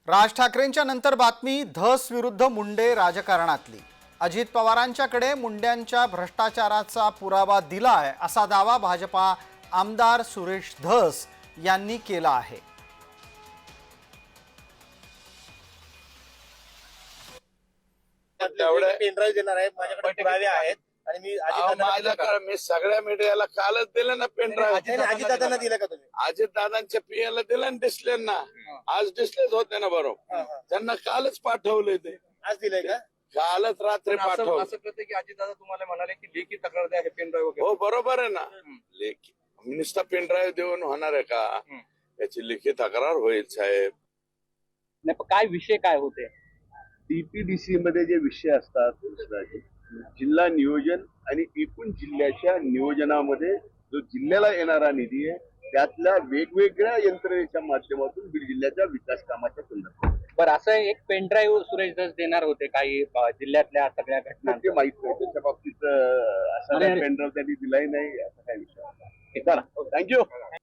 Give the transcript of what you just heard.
राज ठाकरेंच्या नंतर बातमी धस विरुद्ध मुंडे राजकारणातली। अजित पवारांच्याकडे मुंड्यांच्या भ्रष्टाचाराचा पुरावा दिलाय असा दावा भाजपा आमदार सुरेश धस यांनी केला आहे। पेनड्राईव्ह देणार आहे, माझ्याकडे पुरावे आहेत आणि मी सगळ्या मीडियाला कालच दिलं ना पेनड्राईव्ह। अजितदादांना दिलं का तुम्ही? अजित दादांच्या पीएला दिलं ना डिस्प्लेना। आज डिस्प्लेच होते ना बरोबर, त्यांना कालच पाठवले ते। आज दिलंय का? कालच रात्री पाठवलं। असं कळतं की अजितदादा तुम्हाला म्हणाले की लेखी तक्रार द्या हे पेनड्राईव्ह वगैरे। हो बरोबर आहे ना, लेखी नुसता पेनड्राईव्ह देऊन होणार आहे का? याची लेखी तक्रार होईल साहेब। नाही पण काय विषय काय होते? डीपीडीसी मध्ये जे विषय असतात कृष्णाजी, जिल्हा नियोजन आणि एकूण जिल्ह्याच्या नियोजनामध्ये जो जिल्ह्याला येणारा निधी आहे त्यातल्या वेगवेगळ्या यंत्रणेच्या माध्यमातून बीड जिल्ह्याच्या विकास कामाच्या संदर्भात बरं, असं एक पेनड्राईव्ह सुरेश धस देणार होते काही जिल्ह्यातल्या सगळ्या घटना ते माहित नाही, त्याच्या बाबतीत असा पेनड्राईव्ह त्यांनी दिलाही नाही, असा काही विषय। थँक्यू।